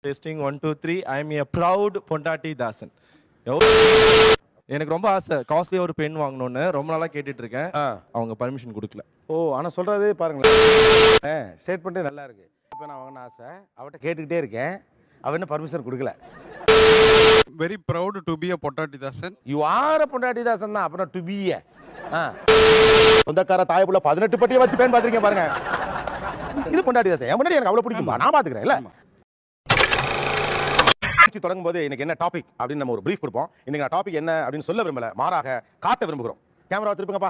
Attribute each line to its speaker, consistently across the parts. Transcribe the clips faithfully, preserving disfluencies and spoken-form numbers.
Speaker 1: Testing one two three. I am a proud பொண்டாட்டி தாசன். எனக்கு ரொம்ப ஆசை காஸ்ட்லி ஒரு பென் வாங்கணும்னு ரொம்ப நாளா கேட்டுட்டு இருக்கேன். அவங்க பர்மிஷன் கொடுக்கல.
Speaker 2: ஓ ஆனா சொல்றதே பாருங்களேன். ஸ்டேட்மெண்ட்டே நல்லா இருக்கு. இப்போ நான் வாங்கன ஆசை அவட்ட கேட்டுக்கிட்டே இருக்கேன். அவ என்ன பர்மிஷன் கொடுக்கல.
Speaker 3: Very proud to be a பொண்டாட்டி தாசன்.
Speaker 2: You are a பொண்டாட்டி தாசன் தான். அப்புறம் to be a சொந்தக்கார தாயப்புள்ள பதினெட்டு பட்டியை வச்சு பேன் பாத்துருக்கேன் பாருங்க. இது பொண்டாட்டி தாசன். என் முன்னாடி எனக்கு அவ்வளவு பிடிக்கும்பா. நான் பாத்துக்கிறேன் இல்ல. தொடங்கும் போது எனக்கு என்ன டாபிக் அப்படின்னு நம்ம ஒரு பிரீஃப் கொடுப்போம். இன்னைக்கு நான் டாபிக் என்ன அப்படின்னு சொல்ல விரும்பல, மாறாக காட்ட விரும்புகிறோம். கேமரா திருப்புங்கப்பா.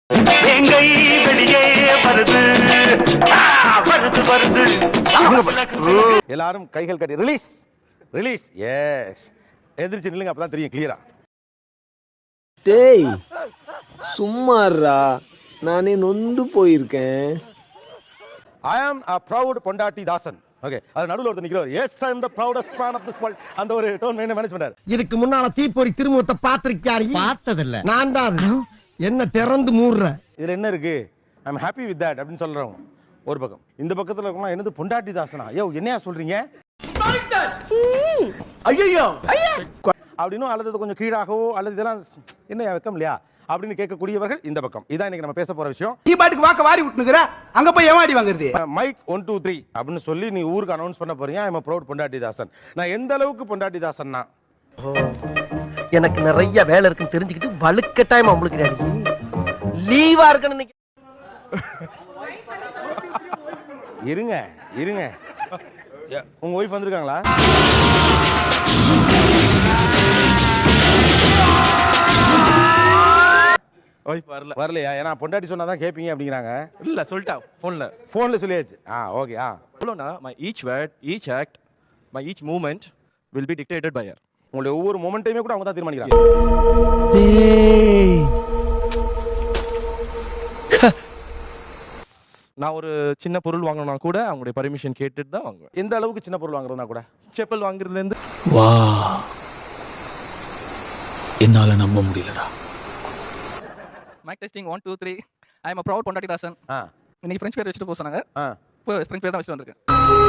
Speaker 2: எல்லாரும் கைகள் கட்டி ரிலீஸ் ரிலீஸ். எஸ் எதிர்த்து நில்லுங்க, அப்பதான் தெரியும் கிளியரா.
Speaker 4: டேய் சும்மாறா, நானே நொந்து போயிருக்கேன்.
Speaker 2: I am a proud பொண்டாட்டி தாசன். ஓகே, அது நடுவுல ஒருத்தர் நிக்கிறார். Yes I am the proudest man of this world. அந்த ஒரு டோன் மேனேஜ் மேனேஜ் பண்றாரு.
Speaker 5: இதுக்கு முன்னால தீப்பொறி திருமுகத்தை பாத்திருக்கியாரு? பார்த்ததில்ல. நான் தான் என்ன திறந்து மூடுற.
Speaker 2: இதுல என்ன இருக்கு? I am happy with that அப்படின்னு சொல்றவங்க ஒரு பக்கம். இந்த பக்கத்துல இருக்கவங்க என்னது பொண்டாட்டி தாசனா? யோ என்னையா சொல்றீங்க?
Speaker 5: ஐயோ
Speaker 2: அப்படினும் அல்லது கொஞ்சம் கீழாகவோ அல்லது இதெல்லாம் என்ன வெக்கம் இல்லையா அப்படின்னு கேட்கக்கூடியவர்கள் இந்த பக்கம். இதான் இன்னைக்கு நம்ம பேச போற விஷயம்.
Speaker 5: நீ பாட்டுக்கு வாக்க வாரி விட்டுனுக்குற, அங்க போய் ஏமாடி வாங்குறது.
Speaker 2: மைக் ஒன் டூ த்ரீ அப்படின்னு சொல்லி நீ ஊருக்கு அனௌன்ஸ் பண்ண போறீங்க. ஐ அம் ப்ரௌட் பொண்டாட்டி தாசன். நான் எந்த அளவுக்கு பொண்டாட்டி தாசன்னா,
Speaker 6: எனக்கு நிறைய வேலை இருக்குன்னு தெரிஞ்சுக்கிட்டு வலுக்கட்டாயமா உங்களுக்கு லீவா இருக்கணும்.
Speaker 2: இருங்க இருங்க, உங்க ஒய்ஃப் வந்திருக்காங்களா?
Speaker 1: ஒய்ஃப் வரல.
Speaker 2: வரலையா? ஏன்னா பொண்டாட்டி சொன்னாதான் கேட்பீங்க அப்படிங்கிறாங்க.
Speaker 1: இல்ல சொல்லிட்டா போன்ல.
Speaker 2: போன்ல சொல்லியாச்சு. ஆ ஓகே. ஆ
Speaker 1: எவ்வளோனா my each word, each act, my each movement will be dictated by her.
Speaker 2: உங்களுடைய ஒவ்வொரு மொமெண்ட்டையுமே கூட அவங்க தான் தீர்மானிக்கிறாங்க.
Speaker 1: நான் ஒரு சின்ன பொருள் வாங்கணும்னா கூட அவங்களுடைய பர்மிஷன் கேட்டுட்டு தான் வாங்குவேன்.
Speaker 2: எந்த அளவுக்கு சின்ன பொருள் வாங்குறதுனா கூட
Speaker 1: செப்பல் வாங்குறதுல இருந்து.
Speaker 7: வா, என்னால நம்ப முடியலடா.
Speaker 8: Mike testing one two three. I am a proud பொண்டாட்டி தாசன்.
Speaker 2: ஆ
Speaker 8: இன்னைக்கு ஃப்ரெஞ்ச் பேர் வச்சுட்டு போக சொன்னாங்க.
Speaker 2: ஆ
Speaker 8: இப்போ ஃப்ரெஞ்ச் பேர் தான் வச்சுட்டு வந்திருக்கேன்.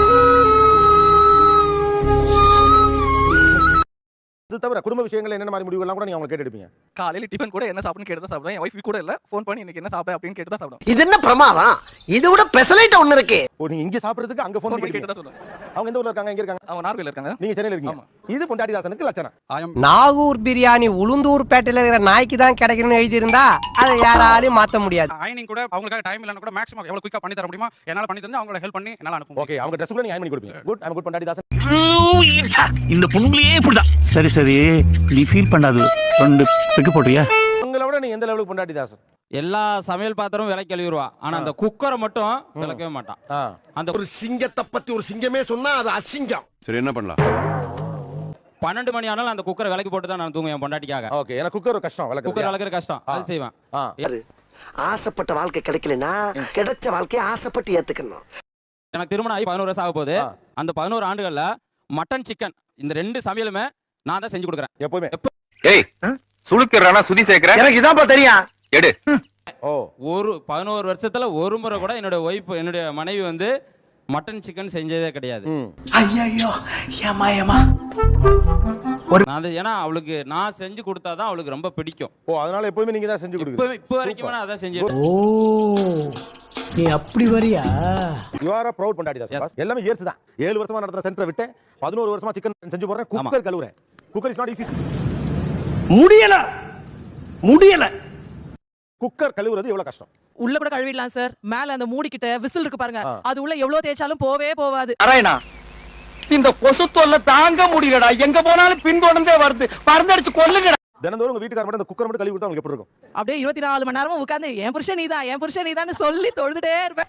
Speaker 2: இது தவிர குடும்ப விஷயங்கள் என்னென்ன மாதிரி முடிவுகள்லாம் கூட நீங்க அவங்க கேட்டுடுப்பீங்க.
Speaker 8: காலையில டிஃபன் கூட என்ன சாப்பிடுன்னு கேட்டு தான் சாப்பிடுவேன். என் ஒய்ஃப் கூட இல்ல, ஃபோன் பண்ணி இன்னைக்கு என்ன சாப்பிட அப்படின்னு கேட்டு தான் சாப்பிடுவேன்.
Speaker 6: இது என்ன பிரமாதம்? இது விட பெசலைட் ஒன்னு இருக்கு.
Speaker 2: ஓ, நீங்க இங்க சாப்பிடுறதுக்கு அங்க ஃபோன்
Speaker 8: ஃபோன்
Speaker 2: பண்ணி
Speaker 8: பண்ணி
Speaker 2: கேட்டு
Speaker 8: கேட்டு தான் சொல்லுவேன்.
Speaker 2: அவங்க எந்த ஊர்ல இருக்காங்க? எங்க இருக்காங்க?
Speaker 8: அவங்க நார்வேல இருக்காங்க.
Speaker 2: நீங்க சென்னையில இருக்கீங்க. இது பொண்டாட்டி தாசனுக்கு லட்சணம்.
Speaker 4: நாகூர் பிரியாணி உளுந்தூர் பேட்டையில இருக்கிற நாய்க்கு தான் கிடைக்கணும்னு எழுதி இருந்தா அதை யாராலையும் மாத்த முடியாது.
Speaker 3: ஐனிங் கூட அவங்களுக்கு டைம் இல்லனா கூட மேக்ஸிமம் எவ்வளவு குயிக்கா பண்ணி தர முடியுமா என்னால பண்ணி தந்து அவங்கள ஹெல்ப் பண்ணி என்னால அனுப்புங்க.
Speaker 2: ஓகே, அவங்க Dress கூட நீங்க அயன் பண்ணி கொடுப்பீங்க. குட், ஐ அம் குட் பொண்டாட்டி தாசன்.
Speaker 7: இந்த பொண்ணுங்களே இப்படிதான். சரி சரி, நீ ஃபீல் பண்ணாது. ரெண்டு பிக்கு போடுறியா?
Speaker 2: உங்களை விட நீங்க எந்த லெவலுக்கு பொண்டாட்டி தாசன்?
Speaker 9: எல்லா சமையல் பாத்திரமும் விலை கழுவிடுவா, ஆனா அந்த குக்கரை மட்டும் விளக்கவே மாட்டான். அந்த
Speaker 5: ஒரு சிங்கத்தை பத்தி ஒரு சிங்கமே சொன்னா அது அசிங்கம்.
Speaker 3: சரி, என்ன பண்ணலாம்?
Speaker 9: பன்னெண்டு மணி ஆனாலும் அந்த குக்கரை விலைக்கு போட்டு தான் நான் தூங்குவேன் பொண்டாட்டிக்காக.
Speaker 2: ஓகே, எனக்கு குக்கர் கஷ்டம் விளக்கு.
Speaker 9: குக்கர் விளக்குற கஷ்டம், அது செய்வேன்.
Speaker 6: ஆசைப்பட்ட வாழ்க்கை கிடைக்கலனா கிடைச்ச வாழ்க்கையை ஆசைப்பட்டு ஏத்துக்கணும்.
Speaker 9: எனக்கு திருமணம் ஆகி பதினோரு வருஷம் ஆக போகுது. அந்த பதினோரு ஆண்டுகள்ல மட்டன் சிக்கன் இந்த ரெண்டு சமையலுமே நான் தான் செஞ்சு கொடுக்குறேன்
Speaker 2: எப்பவுமே.
Speaker 10: ஏய் சுளுக்குறானா சுதி சேர்க்கற?
Speaker 6: எனக்கு இதான்ப்பா தெரியும்.
Speaker 10: எடு.
Speaker 2: ஓ, ஒரு
Speaker 9: பதினோரு வருஷத்துல ஒரு முறை கூட என்னோட ஒய்ஃப் என்னுடைய மனைவி வந்து மட்டன் சிக்கன் செஞ்சதே கிடையாது.
Speaker 5: ஐயோ ஏமா ஏமா
Speaker 9: அது ஏன்னா அவளுக்கு நான் செஞ்சு கொடுத்தாதான் அவளுக்கு ரொம்ப பிடிக்கும்.
Speaker 2: ஓ, அதனால எப்பவுமே நீங்க தான் செஞ்சு கொடுக்குறீங்க.
Speaker 9: இப்போ வரைக்கும் நான் அதான் செஞ்சு.
Speaker 5: ஓ, நீ அப்படி வரியா?
Speaker 2: யூ ஆர் a proud பொண்டாட்டி தாசன். எல்லாமே இயர்ஸ் தான். ஏழு வருஷமா நடத்துற சென்டரை விட்டு பதினோரு வருஷமா சிக்கன் செஞ்சு போறேன். குக்கர் கழுவுறேன். Cooker is not easy.
Speaker 5: முடியல முடியல.
Speaker 2: குக்கர் கழுவுறது எவ்வளவு கஷ்டம்?
Speaker 8: உள்ள கூட கழுவிடலாம் சார். மேல அந்த மூடி கிட்ட விசில் இருக்கு பாருங்க, அது உள்ள எவ்வளவு தேய்ச்சாலும் போவே போவாது.
Speaker 6: அரேனா, இந்த கொசு தொல்லை தாங்க முடியலடா. எங்க போனாலும் பின்தொடர்ந்தே வருது. பறந்தடிச்சு கொல்லுங்கடா.
Speaker 2: தினந்தோறும் உங்க வீட்டுக்காரர் மட்டும் இந்த குக்கர் மட்டும் கழுவி கொடுத்தா உங்களுக்கு எப்படி இருக்கும்?
Speaker 8: அப்படியே இருபத்தி நாலு மணி நேரமும் உட்கார்ந்து என் புருஷன் நீதான் என் புருஷன் நீதான் சொல்லி தொழுதுட்டே இருப்பேன்.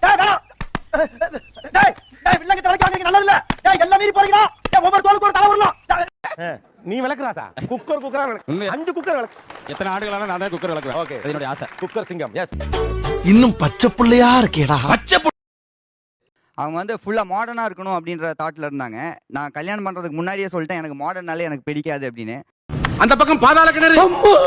Speaker 2: நீ விளக்குறாசா? குக்கர் குக்கரா விளக்கு. அஞ்சு குக்கர் விளக்கு.
Speaker 9: எத்தனை ஆண்டுகளான நான் தான் குக்கர் விளக்குவேன்.
Speaker 2: ஓகே,
Speaker 9: அது என்னோட ஆசை.
Speaker 2: குக்கர் சிங்கம். எஸ்,
Speaker 5: இன்னும் பச்சை புள்ளையா இருக்கேடா. பச்சை
Speaker 11: அவங்க வந்து ஃபுல்லாக மாடர்னாக இருக்கணும் அப்படின்ற தாட்டில் இருந்தாங்க. நான் கல்யாணம் பண்ணுறதுக்கு முன்னாடியே சொல்லிட்டேன் எனக்கு மாடர்னாலே எனக்கு பிடிக்காது அப்படின்னு.
Speaker 5: அந்த பக்கம் பாதாள கிணறு.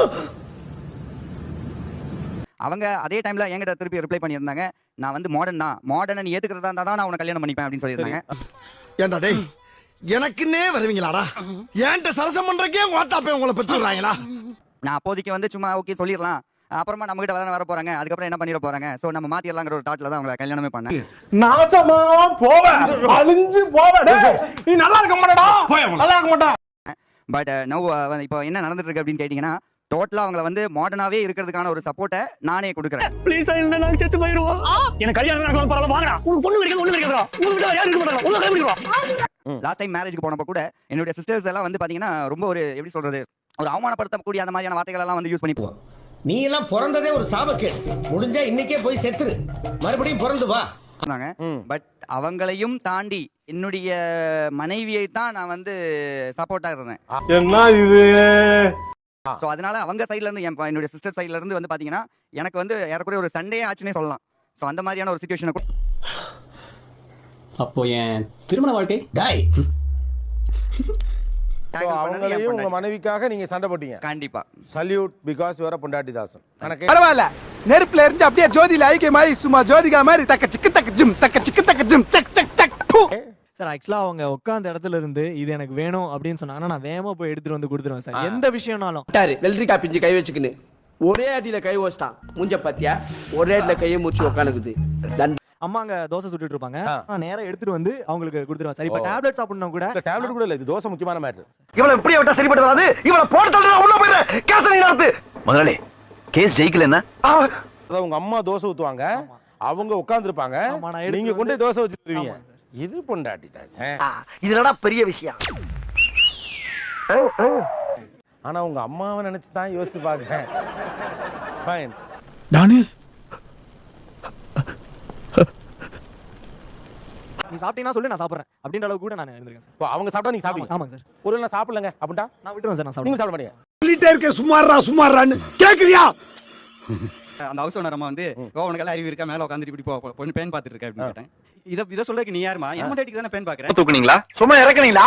Speaker 11: அவங்க அதே டைமில் என்கிட்ட திருப்பி ரிப்ளை பண்ணியிருந்தாங்க, நான் வந்து மாடர்ன் தான், மாடர்னை நீ ஏற்றுக்கிறதா இருந்தால் தான் நான் உன்னை கல்யாணம் பண்ணிப்பேன் அப்படின்னு சொல்லியிருந்தாங்க.
Speaker 5: ஏண்டா டேய், எனக்குன்னே வருவீங்களாடா ஏன்ட்ட சரசம் பண்றக்கே ஓட்டாப்பே உங்களை பெற்றுறாங்களா?
Speaker 11: நான் அப்போதைக்கு வந்து சும்மா ஓகே சொல்லிடலாம், அப்புறமா நம்ம கிட்ட வர வர போறாங்க, அதுக்கப்புறம் என்ன பண்ணிட போறாங்க, சோ நம்ம மாத்திரலாங்கிற ஒரு தாட்ல தான் அவங்கள கல்யாணமே பண்ணேன்.
Speaker 6: நாசமா போவ அழிஞ்சு போவ நீ நல்லா இருக்க மாட்டடா, நல்லா இருக்க மாட்டா.
Speaker 11: பட் நோ இப்போ என்ன நடந்துட்டு இருக்கு அப்படின்னு கேட்டீங்கன்னா, டோட்டலா அவங்கள வந்து மாடர்னாவே இருக்கிறதுக்கான ஒரு சப்போர்ட்டை நானே கொடுக்குறேன்.
Speaker 6: ப்ளீஸ் இல்ல நான் செத்து போயிடுவோம். எனக்கு கல்யாணம் நடக்கணும் பரவாயில்ல வாங்கடா. உங்களுக்கு பொண்ணு கிடைக்காது ஒண்ணு கிடைக்காதா? உங்களுக்கு யாரும் இருக்க மாட்டாங்க. உங்க கல்யாணம்.
Speaker 11: லாஸ்ட் டைம் மேரேஜ்க்கு போனப்ப கூட என்னுடைய சிஸ்டர்ஸ் எல்லாம் வந்து பாத்தீங்கன்னா ரொம்ப ஒரு எப்படி சொல்றது, ஒரு அவமானப்படுத்தக்கூடிய அந்த மாதிரியான வார்த்தைகள் எல்லாம் வந்து யூஸ் பண்ணி போவோம்.
Speaker 5: நீ எல்லாம் பிறந்ததே ஒரு சாபக்கேடு, முடிஞ்சா இன்னைக்கே போய் செத்துரு, மறுபடியும் பிறந்து வா.
Speaker 11: பட் அவங்களையும் தாண்டி என்னுடைய மனைவியை தான் நான் வந்து சப்போர்ட்டா இருந்தேன்.
Speaker 6: என்ன இது?
Speaker 11: சோ அதனால அவங்க சைடுல இருந்து என் ப- என்னுடைய சிஸ்டர் சைடுல இருந்து வந்து பாத்தீங்கன்னா எனக்கு வந்து ஏறக்குறைய ஒரு சண்டே ஆச்சுன்னே சொல்லலாம். சோ அந்த மாதிரியான ஒரு சுச்சுவேஷன்.
Speaker 9: அப்போ என் திருமண வாழ்க்கை
Speaker 5: டேய்
Speaker 2: அவங்களையும் உங்க மனைவிக்காக நீங்க சண்டை போட்டீங்க.
Speaker 11: கண்டிப்பா
Speaker 2: சல்யூட் பிகாஸ் யூ ஆர் பொண்டாட்டி தாசன். எனக்கு
Speaker 5: பரவாயில்ல, நெருப்புல இருந்து அப்படியே ஜோதியில ஐக்கியமாயி சும்மா ஜோதிகா மாதிரி தக்க சிக்கு தக்க ஜிம் தக்க சிக்கு தக்க ஜிம் சக் சக் சக்.
Speaker 6: சார் ஆக்சுவலா அவங்க உட்கார்ந்த இடத்துல இருந்து இது எனக்கு வேணும் அப்படின்னு சொன்னாங்கன்னா நான் வேகமா போய் எடுத்துட்டு வந்து கொடுத்துருவேன் சார், எந்த விஷயம்னாலும்.
Speaker 5: வெள்ளரிக்கா பிஞ்சு கை வச்சுக்கின்னு ஒரே அடியில கை வச்சிட்டான் மூஞ்ச பாத்தியா, ஒரே அடியில கையை முடிச்சு உட்காந்துக்குது.
Speaker 6: அம்மா அங்க தோசை சுட்டுட்டு இருப்பாங்க, நான் நேரா எடுத்துட்டு வந்து அவங்களுக்கு கொடுத்துருவேன் சார். இப்ப டேப்லெட் சாப்பிடணும் கூட
Speaker 2: டேப்லெட் கூட இல்ல, இது தோசை முக்கியமான மேட்டர்.
Speaker 5: இவள இப்படியே விட்டா சரிப்பட்டு வராது, இவள போட்டு தள்ளுறா உள்ள போயிரு கேஸ் நீ நடத்து.
Speaker 10: முதலாளி கேஸ் ஜெயிக்கல என்ன?
Speaker 2: அதாவது உங்க அம்மா தோசை ஊத்துவாங்க, அவங்க உட்கார்ந்துருப்பாங்க,
Speaker 6: ஆமா, நான் எடுத்து
Speaker 2: நீங்க கொண்டு போய் தோசை வச்சிருவீங்க.
Speaker 6: ஆமா சார்.
Speaker 2: இது பொண்டாட்டி தாசன்.
Speaker 5: இதுலடா பெரிய விஷயம்.
Speaker 2: ஆனா உங்க அம்மாவை நினைச்சு தான் யோசிச்சு பாக்குறேன். ஃபைன்.
Speaker 6: நானு நீ சாப்பிட்டீங்கன்னா சொல்லு நான் சாப்பிடுறேன் அப்படின்ற அளவுக்கு கூட நான் இருந்திருக்கேன் சார்.
Speaker 2: இப்போ அவங்க சாப்பிட்டா நீங்க சாப்பிடுங்க.
Speaker 6: ஆமாங்க சார்.
Speaker 2: ஒரு நான் சாப்பிடலங்க அப்படின்ட்டா
Speaker 6: நான் விட்டுருவேன் சார், நான்
Speaker 2: நீங்க
Speaker 6: சாப்பிடுவேன்.
Speaker 2: சாப்பிட மாட்டீங்க.
Speaker 5: சொல்லிட்டே இருக்க சுமாரா சுமாரான்னு கேக்குறியா?
Speaker 11: அந்த ஹவுஸ் ஓனர் அம்மா வந்து ஓ உனக்கு எல்லாம் அறிவு இருக்கா, மேல உட்காந்துட்டு இப்படி போ பொண்ணு பேன் பார்த்துட்டு இருக்க அப்படின்னு கேட்டேன். இதை இதை சொல்றதுக்கு நீ யாருமா, என் முன்னாடிக்கு தானே பேன் பாக்குறேன்.
Speaker 10: தூக்குனீங்களா? சும்மா இறக்குனீங்களா?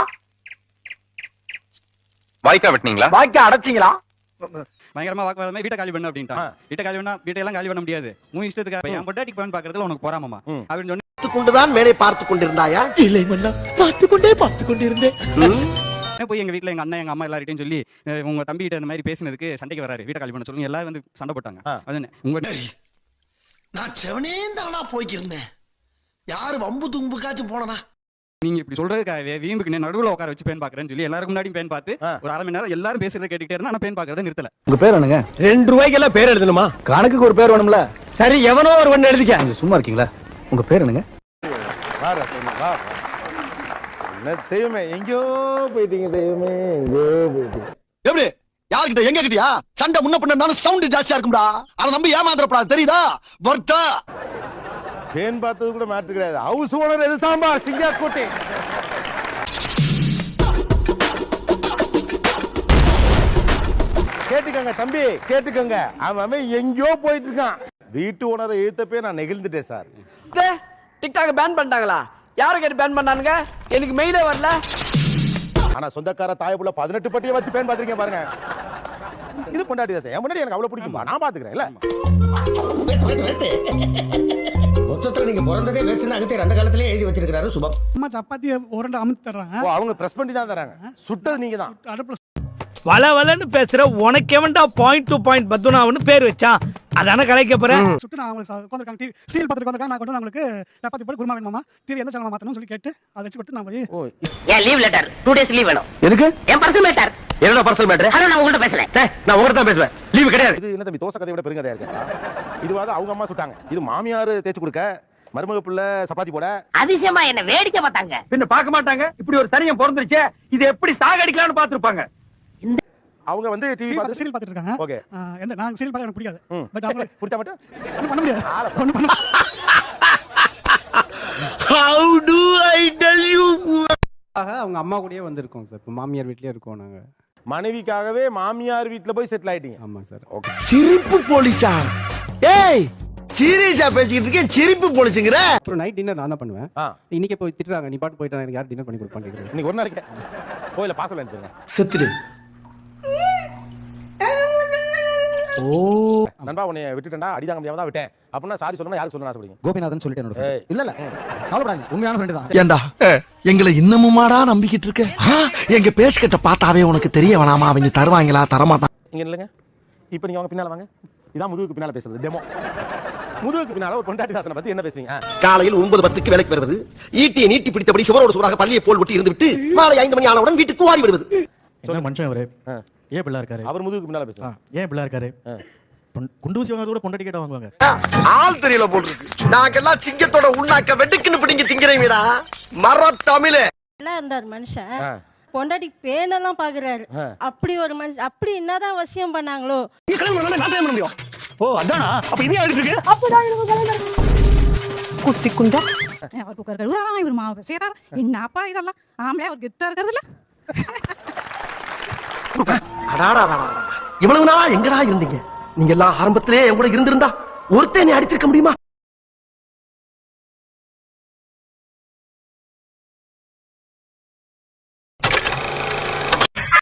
Speaker 10: வாய்க்கா வெட்டினீங்களா?
Speaker 5: வாய்க்கா அடைச்சிங்களா?
Speaker 11: பயங்கரமா வாக்குவாதமே வீட்டை காலி பண்ணு அப்படின்ட்டான். வீட்டை காலி பண்ணா வீட்டையெல்லாம் காலி பண்ண முடியாது, உன் இஷ்டத்துக்கு என் பொண்டாட்டிக்கு பேன் பாக்குறதுல உனக்கு போறாமமா அப்படின்னு சொன்னி
Speaker 5: கொண்டுதான் மேலே பார்த்து கொண்டிருந்தாயா? இல்லை மன்னா, பார்த்து கொண்டே பார்த்து கொண்டிருந்தேன்.
Speaker 11: போய் எங்க வீட்டுல எங்க அண்ணன் எங்க அம்மா எல்லார்ட்டையும் சொல்லி அஹ், உங்க தம்பி கிட்ட இந்த மாதிரி பேசினதுக்கு சண்டைக்கு வராரு, வீட்டை காலி பண்ண சொல்லுங்க, எல்லாரும் வந்து சண்டை போட்டாங்க. அது உங்க
Speaker 5: நான் செவனே தானா போய்க்கிருந்தேன், யாரு வம்பு தும்புக்காச்சும் போனனா?
Speaker 11: நீங்க இப்படி சொல்றதுக்காகவே வீம்புக்கு நடுவுல உட்கார வச்சு பேன் பாக்குறேன்னு சொல்லி எல்லாரும் முன்னாடியும் பேன் பார்த்து ஒரு அரை மணி நேரம் எல்லாரும் பேசுறதை கேட்டுக்கிட்டே இருந்தா ஆனா பேன் பாக்குறதை நிறுத்தல.
Speaker 6: உங்க பேர் என்னங்க? ரெண்டு ரூபாய்க்கு எல்லாம் பேர் எழுதணுமா? கணக்குக்கு ஒரு பேர் வேணும்ல. சரி எவனோ ஒரு ஒண்ணு எழுதிக்க. நீங்க சும்மா இருக்கீங்களா? உங்க பேர் என்னங்க?
Speaker 2: வா ரசூல், வா. என்ன தெய்வமே, எங்கேயோ போயிட்டீங்க தெய்வமே, எங்கேயோ போயிட்டீங்க.
Speaker 5: எப்படி யார்கிட்ட எங்க கிட்டயா சண்டை முன்ன பண்ணாலும் சவுண்ட் ஜாஸ்தியா இருக்கும்டா, அத நம்பி ஏமாந்துறப்படா, தெரியுதா? வர்த்தா
Speaker 2: பேன் பார்த்தது கூட மேட்டர் கிடையாது. ஹவுஸ் ஓனர் எது சாம்பார் சிங்கார்கோட்டை. கேட்டுக்கங்க தம்பி, கேட்டுக்கங்க. அவன் அவன் எங்கேயோ போயிட்டு இருக்கான். வீட்டு ஓனரை எழுத்தப்பே நான் நெகிழ்ந்துட்டேன் சார்.
Speaker 6: டிக்டாக் பேன் பண்ணிட்டாங்களா? யாரை கேட்டு பேன் பண்ணானுங்க? எனக்கு மெயிலே வரல.
Speaker 2: ஆனா சொந்தக்கார தாயப்புள்ள பதினெட்டு பட்டியை வச்சு பேன் பார்த்திருக்கேன் பாருங்க. இது பொண்டாட்டி தான். என் முன்னாடி எனக்கு அவ்வளவு பிடிக்கும்பா, நான் பாத்துக்கிறேன் இல்ல.
Speaker 5: மொத்தத்துல நீங்க பிறந்ததே பேசுன அகத்தே அந்த காலத்திலே எழுதி வச்சிருக்காரு சுபம்.
Speaker 6: அம்மா சப்பாத்தி உருண்டை அமுத்து தர்றாங்க.
Speaker 2: ஓ, அவங்க பிரஸ் பண்ணி தான் தராங்க. சுட்டது நீங்க தான்.
Speaker 6: அடுப்புல
Speaker 7: வள வளன்னு பேசுற உனக்கு எவன்டா பாயிண்ட் டு பாயிண்ட் பத்துனாவன்னு பேர் வச்சான், அதான கலைக்க போறேன்.
Speaker 6: சுட்டு நான் அவங்களுக்கு உட்காந்துருக்காங்க, டிவி சீரியல் பார்த்துட்டு உட்காந்துருக்காங்க. நான் கொண்டு வந்து அவங்களுக்கு சப்பாத்தி போட்டு குருமா வேணுமா, டிவி எந்த சேனல் மாத்தணும்னு சொல்லி கேட்டு அதை வச்சு கொடுத்து நான் போய்
Speaker 4: ஏன் leave letter two days leave வேணும்.
Speaker 6: எதுக்கு?
Speaker 4: என் பர்சனல் மேட்டர்.
Speaker 6: என்னோட பர்சனல் மேட்டர்?
Speaker 4: ஹலோ, நான் உங்கள்கிட்ட பேசல.
Speaker 6: நான் உங்ககிட்ட தான் பேசுவேன். லீவ் கிடையாது.
Speaker 2: இது என்ன தம்பி, தோசை கதையை விட பெருங்கதையா இருக்கா? இதுவாது அவங்க அம்மா சுட்டாங்க, இது மாமியார் தேய்ச்சி கொடுக்க, மருமக பிள்ளை சப்பாத்தி போட.
Speaker 4: அதிசயமா என்ன வேடிக்கை பார்த்தாங்க.
Speaker 6: பின்ன பார்க்க மாட்டாங்க. இப்படி ஒரு சரியம் பிறந்துருச்சே, இது எப்படி சாகடிக்கலாம்னு பாத்துருப்பாங்க.
Speaker 2: அவங்க வந்து டிவி பார்த்து
Speaker 6: சீரியல் பார்த்துட்டு இருக்காங்க.
Speaker 2: ஓகே.
Speaker 6: எந்த நான் சீரியல் பார்க்க எனக்கு பிடிக்காது. பட் அவங்க
Speaker 2: புடிச்சா மட்டும்
Speaker 6: ஒண்ணும் பண்ண முடியாது. ஒண்ணும் பண்ண
Speaker 5: How do I tell you?
Speaker 6: அவங்க அம்மா கூடயே வந்திருக்கோம் சார். இப்போ மாமியார் வீட்லயே இருக்கோம் நாங்க.
Speaker 2: மனைவிக்காகவே மாமியார் வீட்டுல போய் செட்டில் ஆயிட்டீங்க.
Speaker 6: ஆமா சார்.
Speaker 2: ஓகே.
Speaker 5: சிரிப்பு போலீஸா? ஏய் சீரியஸா பேசிக்கிட்டு இருக்கேன், சிரிப்பு போலீஸுங்கற.
Speaker 6: அப்புறம் நைட் டின்னர் நான் தான் பண்ணுவேன். இன்னைக்கு போய் திட்டுறாங்க, நீ பாட்டு போயிட்டா எனக்கு யார் டின்னர் பண்ணி கொடுப்பான்னு கேக்குறேன்.
Speaker 2: இன்னைக்கு ஒரு நாளைக்கு கோயில பாசல் அனுப்பிடுங்க.
Speaker 5: செத்துடு.
Speaker 6: ஓ
Speaker 2: நண்பா உன்னை விட்டுட்டேன்டா அடிதாங்க முடியாம தான் விட்டேன் அப்படின்னா சாரி சொல்லணும் யாருக்கு சொல்லணும் ஆசைப்படுங்க?
Speaker 5: கோபிநாதன் சொல்லிட்டேன்.
Speaker 2: ஏய்.
Speaker 5: இல்ல இல்ல கவலைப்படாதீங்க, உண்மையான ஃப்ரெண்ட் தான். ஏண்டா எங்களை இன்னமுமாடா நம்பிக்கிட்டு இருக்க? எங்க பேசிக்கிட்ட பார்த்தாவே உனக்கு தெரிய வேணாமா அவங்க தருவாங்களா தரமாட்டான்?
Speaker 2: இங்க இல்லைங்க, இப்போ நீங்க வாங்க பின்னால வாங்க. இதான் முதுகுக்கு பின்னால பேசுறது டெமோ. முதுகுக்கு பின்னால ஒரு பொண்டாட்டி தாசனை பத்தி என்ன பேசுறீங்க?
Speaker 5: காலையில் ஒன்பது பத்துக்கு வேலைக்கு வருவது, ஈட்டியை நீட்டி பிடித்தபடி சுவரோடு சுவராக பள்ளியை போல் ஒட்டி இருந்து விட்டு மாலை ஐந்து மணி ஆனவுடன் வீட்டுக்கு ஓடி விடுவது.
Speaker 1: என்ன மனுஷன் அவரு? ஏன் பிள்ளை இருக்காரு?
Speaker 2: அவர் முதுகுக்கு பின்னால பேசுறாங்க.
Speaker 1: ஏன் பிள்ளை இருக்காரு? குண்டூசி வாங்குறது கூட பொண்டாட்டி கேட்ட வாங்குவாங்க.
Speaker 5: ஆள் தெரியல போட்டுருக்கு. நாங்கெல்லாம் சிங்கத்தோட உண்ணாக்க வெட்டுக்குன்னு பிடிங்க திங்கிறீங்கடா மர தமிழே.
Speaker 12: எல்லாம் இருந்தார் மனுஷன், பொண்டாட்டி பேனெல்லாம் பாக்குறாரு. அப்படி ஒரு மனுஷன் அப்படி என்னதான் வசியம் பண்ணாங்களோ?
Speaker 6: ஓ அதானா? அப்ப இது ஆடிட்டு இருக்கு.
Speaker 8: அப்பதான் குட்டி குண்டா அவர் குக்கர் இவர் மாவு சேரார். என்னப்பா இதெல்லாம் ஆம்பளை அவர் கெத்தா இருக்கிறது இல்ல.
Speaker 5: இவ்வளவு நாளா எங்கடா இருந்தீங்க? நீங்க எல்லாம் ஆரம்பத்திலே என் கூட இருந்திருந்தா ஒருத்தன் நீ அடிச்சிருக்க முடியுமா?